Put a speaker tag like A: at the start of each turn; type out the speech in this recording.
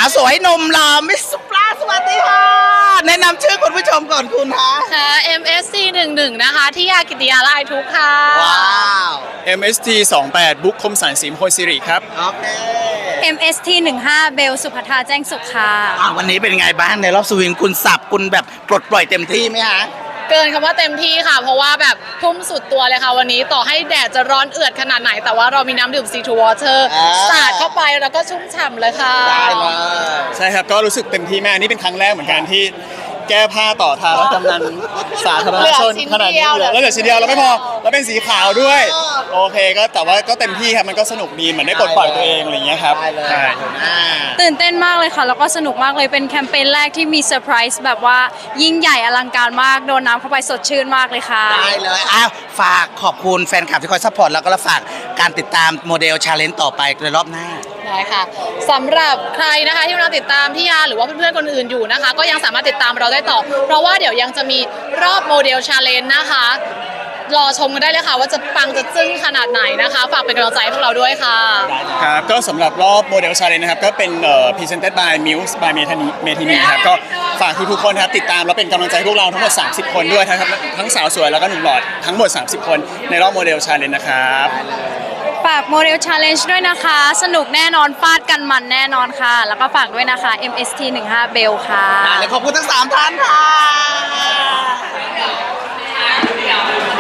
A: สวยหนุ่มหล่อมิสสุปราสวัสดีค่ะแนะนำชื่อคุณผู้ชมก่อนคุณฮะ
B: ค่ะ MSC 11นะคะที่ยากิติยาลายทุกค่ะ
A: ว้าว
C: MST 28บุ๊คคมสันสีมโพสิริครับ
A: โอเค
B: MST 15เบลสุภัทราแจ้งสุขค่ะ
A: วันนี้เป็นไงบ้างในรอบสวิงคุณสับคุณแบบปลดปล่อยเต็มที่ไหมฮะ
B: เกินคำว่าเต็มที่ค่ะเพราะว่าแบบทุ่มสุดตัวเลยค่ะวันนี้ต่อให้แดดจะร้อนเอือดขนาดไหนแต่ว่าเรามีน้ำดื่ม C2 Water สาดเข้าไปแล้วก็ชุ่มฉ่ำเลยค่ะ
A: ได้เลย
C: ใช่ครับก็รู้สึกเต็มที่มากนี่เป็นครั้งแรกเหมือนกันที่แก้ผ้าต่อทางและกำนันสาธารณชนขนาดนี้แล้วเหลือชิ้นเดียวแล้วไม่พอแล้วเป็นสีขาวด้วยโอเคก็แต่ว่าก็เต็มที่ครับมันก็สนุกดีเหมือนได้ปลดปล่อยตัวเองอะไรอย่างเงี้ยครับ
A: ได้เลย
B: ตื่นเต้นมากเลยค่ะแล้วก็สนุกมากเลยเป็นแคมเปญแรกที่มีเซอร์ไพรส์แบบว่ายิ่งใหญ่อลังการมากโดนน้ำเข้าไปสดชื่นมากเลยค่ะ
A: ได้เลยฝากขอบคุณแฟนคลับที่คอยซัพพอร์ตแล้วก็ฝากการติดตามโมเดลชาเลนจ์ต่อไปในรอบหน้า
B: ได้ค่ะสำหรับใครนะคะที่กำลังติดตามพี่ยาหรือว่าเพื่อนๆคนอื่นอยู่นะคะก็ยังสามารถติดตามเราได้ต่อเพราะว่าเดี๋ยวยังจะมีรอบโมเดลชาเลนจ์นะคะรอชมกันได้เลยค่ะว่าจะปังจะจึ้งขนาดไหนนะคะฝากเป็นกำลังใจให้พวกเราด้วยค่ะ
C: ครับก็สำหรับรอบโมเดลชาเลนจ์นะครับก็เป็นpresented by Muse by Metheny ครับก็ฝากทุกๆคนครับติดตามแล้วเป็นกำลังใจให้พวกเราทั้งหมด30คนด้วยทั้งสาวสวยแล้วก็หนุ่มหล่อทั้งหมด30คนในรอบโมเดลชาเลนจ์นะครับ
B: ฝากโมเดลชาเลนจ์ด้วยนะคะสนุกแน่นอนฟาดกันมันแน่นอนค่ะแล้วก็ฝากด้วยนะคะ MST 15 Bell ค่ะ
A: และขอบคุณทั้ง3ท่านค่ะ